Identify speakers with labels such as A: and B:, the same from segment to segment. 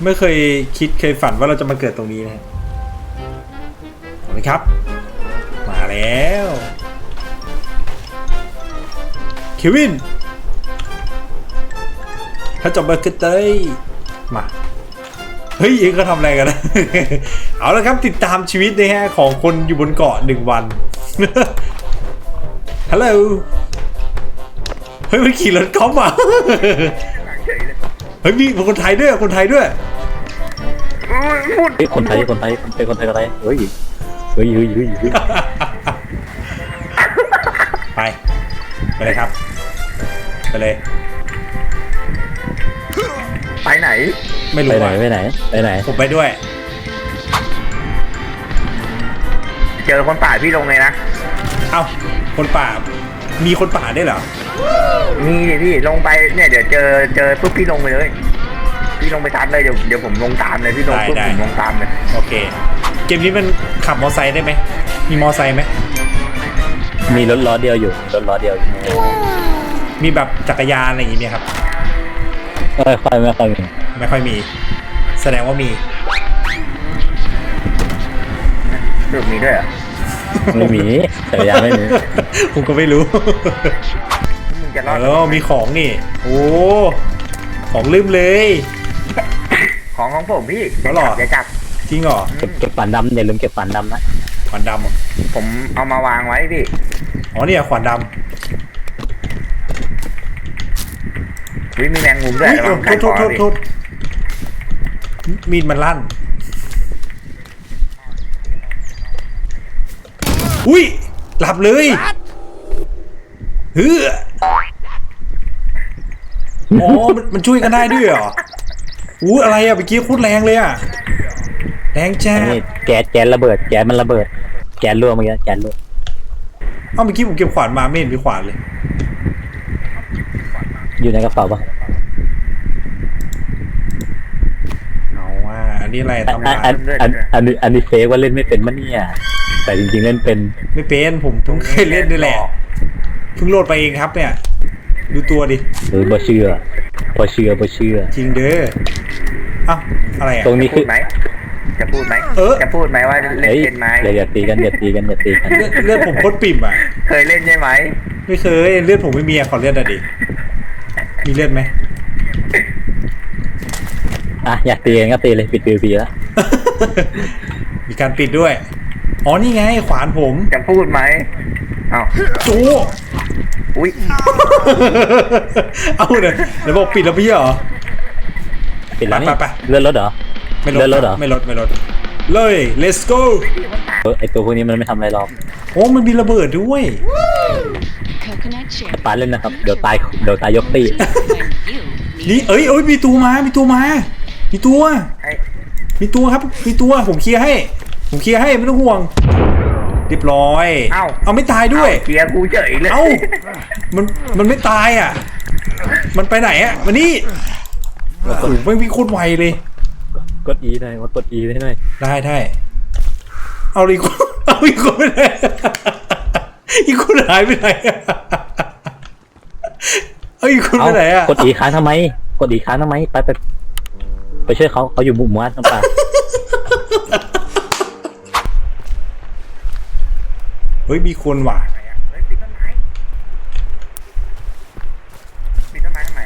A: ไม่เคยคิดเคยฝันว่าเราจะมาเกิดตรงนี้นะขอบคุณครับมาแล้วเควินถ้าจบมาเกิดเต้ยมาเฮ้ยเองก็ทำอะไรกันนะ เอาละครับติดตามชีวิตนะฮะของคนอยู่บนเกาะ1 วัน ฮัลโหลเฮ้ยมันขี่รถกอล์ฟอ่ะ เฮ้ยมีคนไทยด้วยคนไทยด้วย
B: คนไทยเป็นคนไทยก็ได้เฮ้ย
A: ไปเลยครับไปเลย
C: ไปไหน
A: ไม่รู้
B: ไปไหน
A: ผมไปด้วย
C: เจอคนป่าพี่ลงเลยนะ
A: เอ้าคนป่ามีคนป่าได้เหรอ
C: มีพี่ลงไปเนี่ยเดี๋ยวเจอปุ๊บพี่ลงไปเลยพี่ลงไปทัดเลยเดี๋ยวผมลงตามเลยพี่ลงปุ๊บผมลงตามเลย
A: โอเคเกมนี้มันขับมอไซค์ได้ไหมมีมอไซค์ไหม
B: มีรถล้อเดียวอยู่
A: มีแบบจักรยานอะไรอย่างงี้ไหมครับ
B: ไม่ค่อยมี
A: แสดงว่ามี
C: สรุปมีด้วยเหรอ
B: ไม่มีจักรยานไม่มี
A: ผมก็ไม่รู้
C: มึงจะรอด
A: มีของนี่โอ้ของลืมเลย
C: ของผมพี่จะจับ
A: จริงเหรอ
B: เก็บฝันดำอย่าลืมเก็บฝันดำนะ
A: ขวานดำ
C: ผมเอามาวางไว้พี่
A: อ๋อเนี่ยขวานดำ
C: วิมีแมงมุมด้วย
A: โทษมีดมันลั่นอุ้ยหลับเลยเฮ้ออ๋อมันช่วยกันได้ด้วยเหรออู้อะไรอ่ะเมื่อกี้โคตรแรงเลยอ่ะแรงจ้า
B: แก๊สระเบิดแก๊สมันระเบิดแก๊สรั่วเมื่อกี้แก๊สรั่ว
A: เมื่อกี้ผมเก็บขวานมาไม่เห็นมีขวานเลย
B: อยู่ในกระเป๋าปะ
A: เอาว่าอันนี้อะไรทำ
B: อันนี้เฟกว่าเล่นไม่เป็นมั้ยเนี่ยแต่จริงๆเล่นเป็น
A: ไม่เป็นผมเพิ่งเคยเล่นนี่แหละเพิ่งโหลดไปเองครับเนี่ยดูตัวดิ
B: บ่เชื่อ
A: จริงเด้ออ้าวอะไรอ่ะ
B: ตรงนี้คือ
C: จะพูดไหมว่าเล่นเป็นไหม
B: อย่าตีกันเ
A: ลือดผมโคตรปิ่มอ่ะ
C: เคยเล่นใช่ไหม
A: ไม่เคยเลือดผมไม่มีขอเลือดหน่อยดิมีเลือดไหม
B: อยากตีกันก็ตีเลยปิดPVPแล้ว
A: มีการปิดด้วยอ๋อนี่ไงขวานผม
C: จะพูดไหมอ้าว
A: โจ้
C: อุ้ย
A: เอาเลยเดี๋ยวบอกปิดแล้วพี่เหรอ
B: ปิดแล้วไปเลื่อนรถเหรอ
A: ไม่ลดเลย let's go
B: ไอตัวพวกนี้มันไม่ทำอะไรหรอก
A: โอ้มันมีระเบิดด้วย
B: ปาเล่นนะครับเดี๋ยวตายยกตี
A: นี่เอ้ยมีตัวครับมีตัวผมเคลียร์ให้ไม่ต้องห่วงเรียบร้อยเอาไม่ตายด้วย
C: เคลียร์กูเฉยเลย
A: มันไม่ตายอ่ะมันไปไหนอ่ะมานี่โอ้โหไม่มีโคตรไวเลย
B: กด E ได้ว่ากด E ได้หน่อย
A: ได้เอาอีกคนไปไหนอีกคนหายไปไหนเอาอีกคนไปไหนอ่ะ
B: กด E ค้างทำไมไปช่วยเขาอยู่มุมวัดน้ำปลา
A: เฮ้ยมีคนว่ะ
C: ปิดต้นไม้ทำไม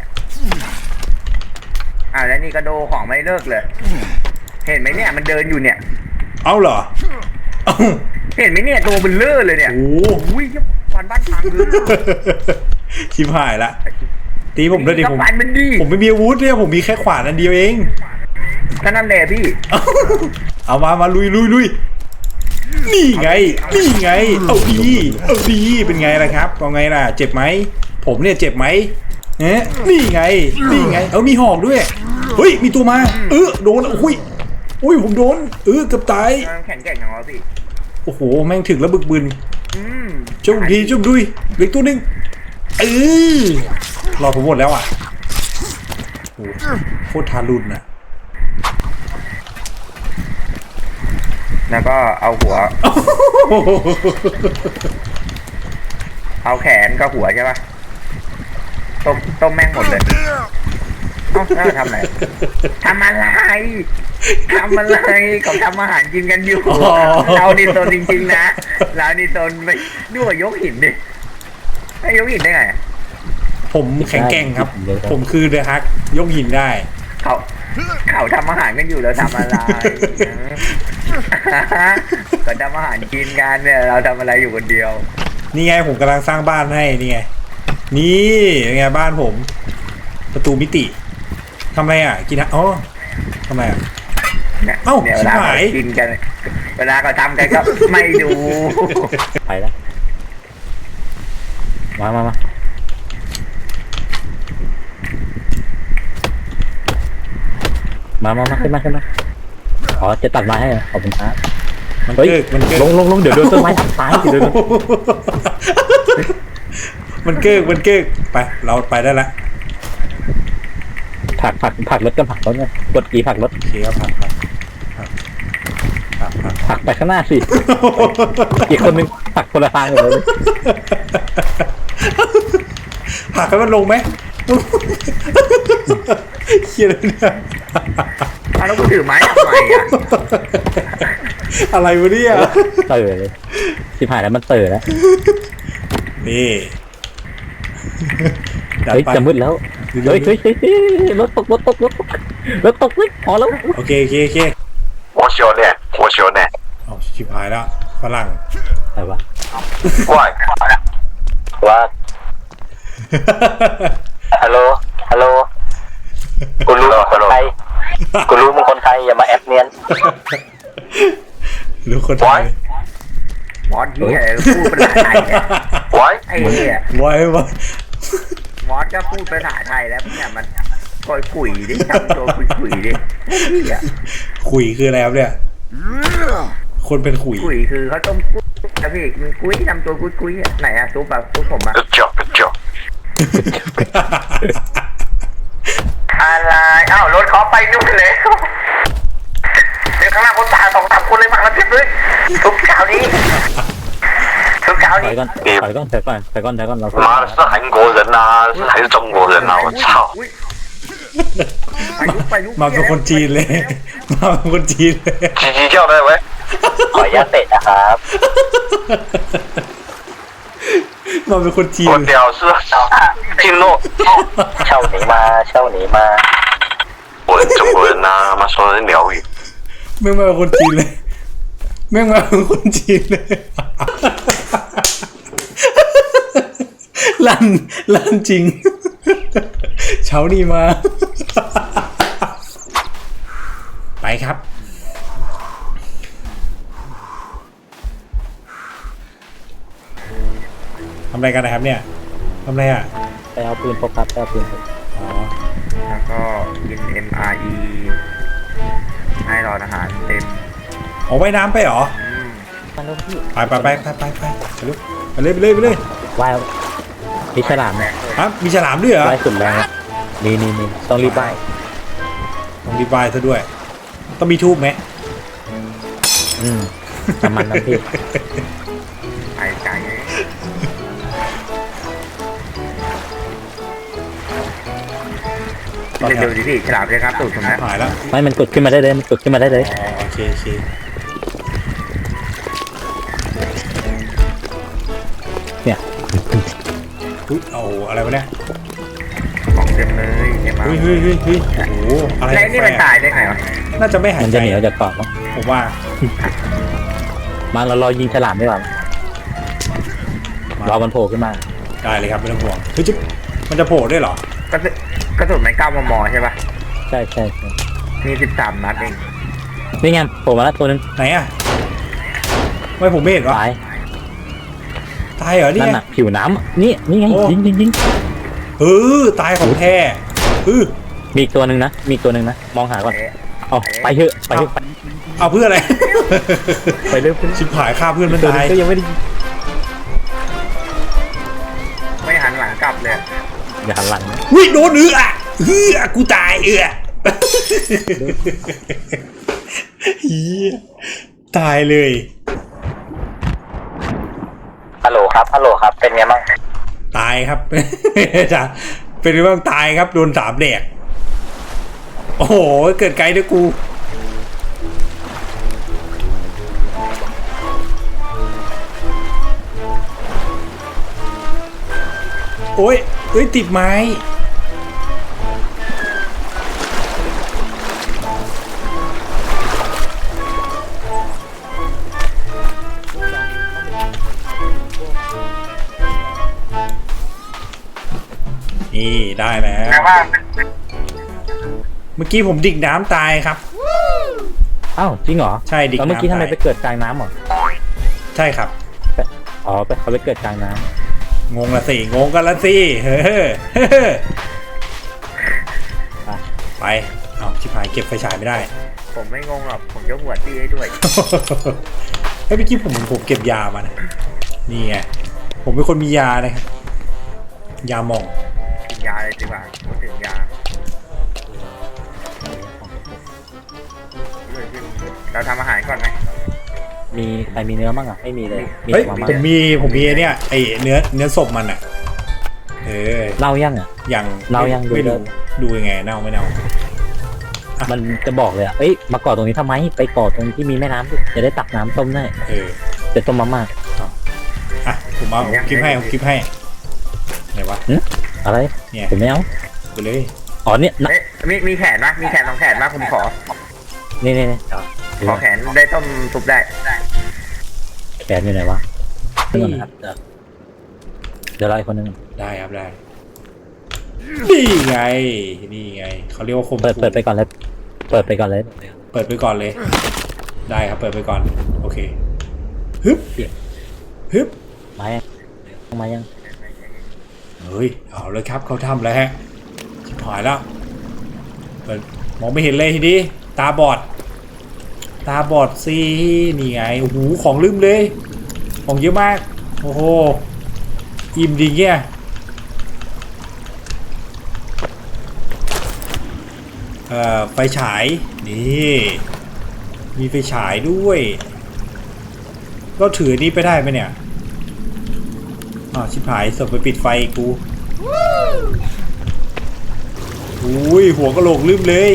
C: แล้วนี่ก็โดของไม่เลิกเลยเห็นไหมเนี่ยมันเดินอยู่เนี่ย
A: เอาเหรอ
C: เห็นไหมเนี่ยตัวมันเลื่อเลยเนี่ย
A: โอ้
C: ยควันบ้านพังเลย
A: ชิบหายละตีผมด้วยดิผมไม่มีอาวุธเนี่ยผมมีแค่ขวานอันเดียวเอง
C: ก็นั่นแหละพี่
A: เอามาลุยนี่ไงเอาดีเป็นไงล่ะครับเอาไงล่ะเจ็บไหมผมเนี่ยเจ็บไหมนี่ไงเอามีหอกด้วยเฮ้ยมีตัวมาโดนอุ้ยผมโดนเกือบตาย
C: แข็งแกร่งอย่างไรพี่
A: โอ้โหแม่งถึงแล้วบึกบึนจุ่มดุยเหลือตัวนึงรอผมหมดแล้วอ่ะโอ้โคตรทารุณนะ
C: แล้วก็เอาหัวเอาแขนกับหัวใช่ปะต้มแม่งหมดเลยแล้วทำอะไรทำอะไรเขาทำอาหารกินกันอยู่เราดิโซนจริงๆนะเราดิโซนไปด้วยยกหินดิให้ยกหินได้ไง
A: ผมแข็งแกร่งครับ ผมคือเดอะฮักยกหินได้
C: เขาทำอาหารกันอยู่เราทำอะไรก็ทำอาหารกินกันเนี่ยเราทำอะไรอยู่คนเดียว
A: นี่ไงผมกำลังสร้างบ้านให้นี่ไงนี่ไงบ้านผม ประตูมิติทำไมอ่ะกินอ๋อทำไมอ่ะ เอ้า
C: เนี่ยเวลา
A: ชิบหาย
C: กินกันเวลาเขาทำกันก็ไม่ดู
B: ไปแล้วมาขึ้นมาอ๋อจะตัดไม้ให้เหรอขอบคุณครับ
A: มัน
B: เฮ้ย
A: เกิกมันเกิก
B: ลงเดี๋ยวโดนต้นไม้ทับตายสิเดี๋ยวโดน
A: มันเกิกไปเราไปได้ละ
B: ผักรถกันผักรถกันกดกี่ผักรถ
A: โอเคครับผัก
B: ผักไปข้างหน้าสิอีกคนนึงผักคนละทางเลย
A: ผักให้มันลงไหมเฮียเลยเนี่ย
C: แล้วกูถือไม้ทำไมอ่ะ
A: อะไรวะเนี่ย
B: เต๋อเลยสิบหายแล้วมันเต๋อแล้ว
A: นี่จัด
B: เฮ้ย
A: ไป
B: จะมืดแล้วเฮ้ยรถตกเลยพอแล้ว
A: โอเค
D: 我小呢，
A: เอาชิบหายแล้วฝรั่ง
B: อะไรวะ
D: 喂，
B: ว่าฮัลโหลกูรู้มึงคนไทยอย่ามาแอบเนียน
A: รู้คนไทย
C: มอสเหี้ยพูดภาษาไทยเนี่ย
D: 喂，
C: ไอ้เหี้ย
A: ไว้
C: มอสก็พูดภาษาไทยแล้วเนี่ยมันคอยคุยดิทำตัวคุยดิเหี้ย
A: ขุยคืออะไรครับเนี่ยคนเป็นขุย
C: คุยคือเขาต้มกุ้ยนะพี่มันกุ้ยทำตัวกุ้ยอ่ะไหนอะซุปแบบซุปผมอะ
D: good job。อะไรอ้าวรถเขาไปนู่นเลยเดี๋ยวข้างหน้าคนตาย2-3คนเลยมาแล้วเพียบเลยทุกเช้านี้
B: ถอยก่อนเรา
D: 妈的是韩国人啊还是中国人啊我操
C: ไปลุก
A: มาเป็นคนจีนเลยมาเป็นคนจีนเลย
D: 叽叽叫的喂
B: ขออนุญาตเตะนะครับ
A: มาเป็นคนจีน
D: 我屌是听诺
B: เช่าหนีมา
D: 我是中国人啊妈说的是鸟语
A: แม่งมาเป็นคนจีนเลยแม่งมาเป็นคนจีนเลยลั่นจริงเช้านี้มาไปครับทำอะไรกันนะครับเนี่ยทำอะไรอ่ะ
B: ไปเอาปืนพกครับอ๋อ
C: แล้วก็กิน MRE ให้รออาหารเต็ม
A: เอาไว้น้ำไปเหรอ
B: มาแล้วพี่
A: ไปเลย
B: ว่ายมีฉลาม
A: ฮะมีฉลามด้วยเหรอ
B: ว่ายสุดแรงนี่ต้องรีบว่าย
A: ต้องรีบายซะด้วย ต้องมีทูบไหม
B: น้ำมันน้ำพี่
C: ไอ้ไก่เร็วๆดิพี่ฉลามเลยครับตูดผมนะ
A: หายแล้ว
B: ไม่มันกดขึ้นมาได้เลย
A: อ๋อโอเค
B: เนี่ย
A: อุ๊ยเอาอะไรวะเนี่ย
C: ของเต็มเลยเนี่ยมา
A: เฮ้ยโอ้โหอะไร
C: แล้วนี่มันตายได้ไงวะ
A: น่าจะไม่หาย
B: มัน
A: ใจ
B: จะเหนียวจากเกาะมั้ง
A: ผมว่า
B: มาเรารอยิงฉลามดีกว่า รอมันโผล่ขึ้นมา
A: ได้เลยครับไม่ต้องห่วงเฮ้ยมันจะโผล่ด้วยเหรอ
C: กระสุนมัน9 มมใช่ปะ
B: ใช่
C: มี13 นัดเอง
B: นี่ไงโผล่มาแล้วตัวนึง
A: ไหนอ่ะไม่ผมไม่เห็นวะ
B: ตาย
A: เหรอเนี่
B: นั่น
A: ย
B: น่ะผิวน้ำนี่ไง
A: โอ้
B: ยิง
A: ตายของแท้
B: มีอีกตัวหนึ่งนะมองหาก่อนเอาไปเถอะไป
A: เอาเพื่ออะไร
B: ไปเร็ว
A: ชิบหายฆ่าเพื่อนมัน
B: ตัว
A: ตา
B: นึ
A: ย
B: งก็ยังไม่ได้
C: ไม่หันหลังกลับเลย
B: อย่าหันหลังนะ
A: วิ่งโดนกูตายตายเลย
B: ฮัลโหลครับเป็นไงบ้าง
A: ตายครับ จะเป็นเรื่องตายครับโดน3 แดกโอ้โหเกิดไกลด้วยกูโอ้ยเอ้ยติดไม้นี่ได้แล้ว
D: แต่ว่า
A: เมื่อกี้ผมดิ่งน้ำตายครับ
E: อ้าวจริงเหรอ
A: ใช่ดิ่ง
E: แล้วเมื่อกี้
A: น้ำ
E: ทำไม
A: ตาย
E: ไปเกิดกลางน้ำเหรอ
A: ใช่ครับ
E: อ๋อเขาไปเกิดกลางน้
A: งงละสิงงกันละสิเฮ้อ
E: ำ
A: ไปเอาชิบหายเก็บไฟฉายไม่ได้
C: ผมไม่งงหรอกผมจะหวดพี่ให้ด้วย
A: เฮ้ยเมื่อกี้ผมเก็บยามานะนี่ไงผมเป็นคนมียานะครับยาหม่อง
C: กินยาเลยดีกว่าพูดถึงยาเราทำอาหารก่อนไหม
E: มีใครมีเนื้อบ้างอ่ะไม่มีเลยมี
A: เฮ้ย
E: แต่มาม่า
A: ผมมีไอ้เนี่ยไอเนื้อศพมันอ่ะอ
E: เล่ายังอ่ะ
A: อย่าง
E: เรายัง
A: ไม่
E: ดู
A: รู้ดูยังไงเน่าไม่เน่า
E: มันจะบอกเลยอ่ะเอ้ยมาก่อตรงนี้ทำไมไปก่อตรงที่มีแม่น้ำดิจะได้ตักน้ำต้มได้
A: เออ
E: จะต้มมาม่า
A: อ่ะผมเอาคลิปให้ไหนวะ
E: อะไร
A: เนี่ย
E: ผมไม่เอา
A: ไปเลย
E: อ๋อเนี่ยนะ
C: เอ๊ะมีแขนปะมีแขน2 แขนปะผมขอ
E: นี่
C: ขอแขนได้ต้มซุปได้
E: แขนอยู่ไหนวะนี่นะครับเดี๋ยวไล่คนนึง
A: ได้ครับได้นี่ไงเขาเรียกว่าคม
E: เปิดไปก่อนเลยเปิดไปก่อนเลย
A: เปิดไปก่อนเลย ได้ครับเปิดไปก่อนโอเคฮึบฮึบ
E: มายัง
A: เฮ้ยเอาเลยครับเขาทำแล้วฮะชิบหายแล้วมองไม่เห็นเลยทีนี้ตาบอดสินี่ไงโอ้โหของลืมเลยของเยอะมากโอ้โหอิ่มดีเงี้ยไฟฉายนี่มีไฟฉายด้วยก็ถือนี้ไปได้ไหมเนี่ยชิบหายสบไปปิดไฟกูอุ้ยหัวกะโหลกลืมเลย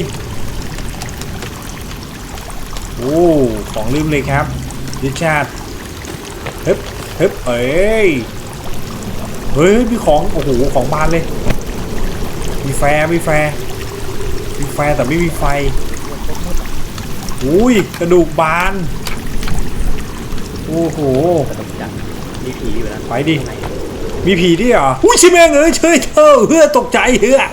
A: โอ้ของลืมเลยครับดิชาร์ดเฮ้ยเฮ้ยมีของโอ้โหของบานเลยมีแฟร์แต่ไม่มีไฟอุ้ยกระดูกบานโอ้โห
E: มีผีอยู่แล้ว
A: ไปดิมีผีดิเหรออุ้ยชิแม่งเอ้ยเชยเธอเฮือตกใจเฮือ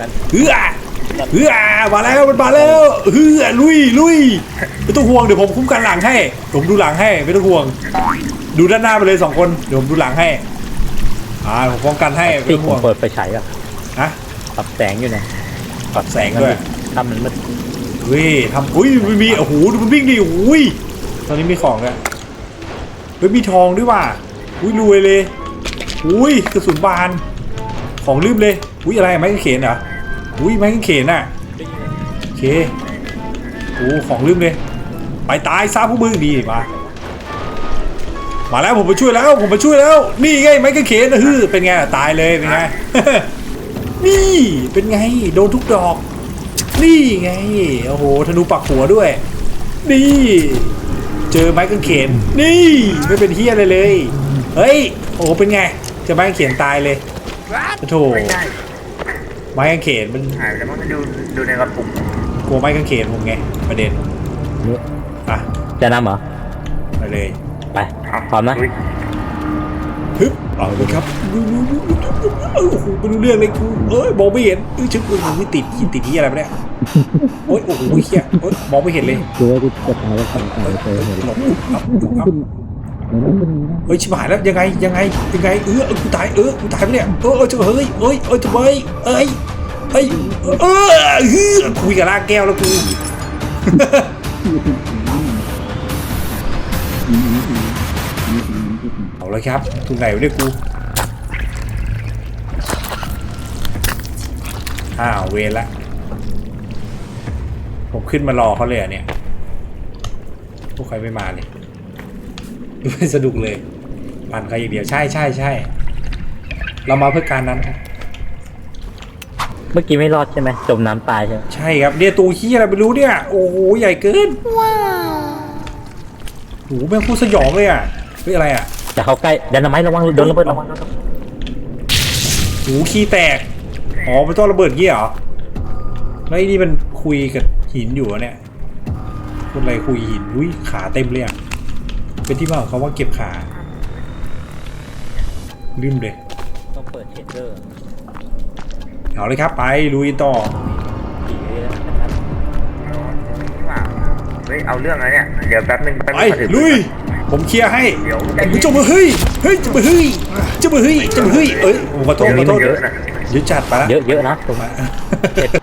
A: มาแล้วมันมาแล้วเฮือลุยไม่ต้องห่วงเดี๋ยวผมคุ้มกันหลังให้ผมดูหลังให้ไม่ต้องห่วงดูด้านหน้าไปเลย2 คนเดี๋ยวผมดูหลังให้ผมป้องกันให้ไม่
E: ที่
A: ต้อง
E: ผ
A: ห่ว
E: ม
A: ง
E: เปิดไฟฉายอ่ะ
A: ฮะ
E: ปรับแสงอยู่เนี่ย
A: ปรับแสงด้วย
E: ทำมันมืด
A: เฮ้ยทำอุ้ยมันมีโอ้โหดูมันวิ่งดิอุ้ยตอนนี้มีของแล้วเฮ้ยมีทองด้วยว่ะอุ้ยรวยเลยอุ้ยกระสุนบานของลืมเลยอุ้ยอะไรไม้กางเขนเหรออุ้ยไม้กางเขนน่ะโอเคโอ้ของลืมเลยไปตายซะพวกมึงดีมาแล้วผมมาช่วยแล้วนี่ไงไม้กางเขนนะเป็นไงตายเลยเป็นไง นี่เป็นไงโดนทุกดอกนี่ไงโอ้โหธนูปักหัวด้วยนี่เจอไม้กางเขนนี่ไม่เป็นเฮียอะไรเลยเฮ้ยโอ้โหเป็นไงเจอไม้กางเขนตายเลยโธ่
C: ไม่ได้
A: ไม้กางเขนมัน
C: หายไปแล้วมันดูในกระปุก
A: กลัวไม้กางเขนผมไงประเด็นอ่ะ
E: จะนำเหรอ
A: ไปเลย
E: ไปพร้อมนะ
C: อุ๊ย
A: ฮึบเอาเลยครับโอ้โหไม่รู้เรื่องเลยกูมองไม่เห็นชึกกูติดที่อะไรไปเนี่ยโอ้ยโอ้โหเฮียมองไม่เห็นเลย
E: คือว่าที่จะตายแล้วตายเจอเลย
A: เฮ้ยชิบหายแล้วยังไงกูตายไปเนี่ยจะเฮ้ยทำไมคุยกับลากแก้วแล้วกูเอาเลยครับถึงไหนวะเนี่ยกูเวรละผมขึ้นมารอเขาเลยเนี่ยพวกใครไม่มาเลยไม่สนุกเลยปั่นใครอย่างเดียวใช่เรามาเพื่อการนั้นครับ
E: เมื่อกี้ไม่รอดใช่ไหมจมน้ำตายใช่ไหม
A: ใช่ครับเนี่ยตัวขี้อะไรไม่รู้เนี่ยโอ้โหใหญ่เกินว้าวโอ้โหแม่งพูดสยองเลยอ่ะเฮ้ยอะไรอ่ะ
E: จะเข้าใกล้ดันน้ำไม้ระวังโดนระเบิดระวัง
A: โอ้โหขี้แตกอ๋อมันต้องระเบิดงี้เหรอแล้วไอ้นี่มันคุยกับหินอยู่อะเนี่ยคนอะไรคุยหินอุ้ยขาเต็มเลยอ่ะเป็นที่มาของเขาว่าเก็บขาลืมเลย
E: ต้องเปิดเชดเดอร์
A: เอาเลยครับไปลุยต่อ
E: ผีเลยนะครับ
C: เฮ้ยเอาเรื่องอะไรเนี่ยเดี๋ยวแป๊บนึง
A: ไป
C: มาถึง
A: ลุยผมเคลียร์ให้
C: เดี๋ยว
A: จะมาเฮ้ยจะมาเฮ้ยจะมาเฮ้ยเอ้ยขอโทษ
C: เยอะนะ
A: เดี๋ยวจัดไปละ
E: เยอะนะตรง
A: มา
E: เชดเด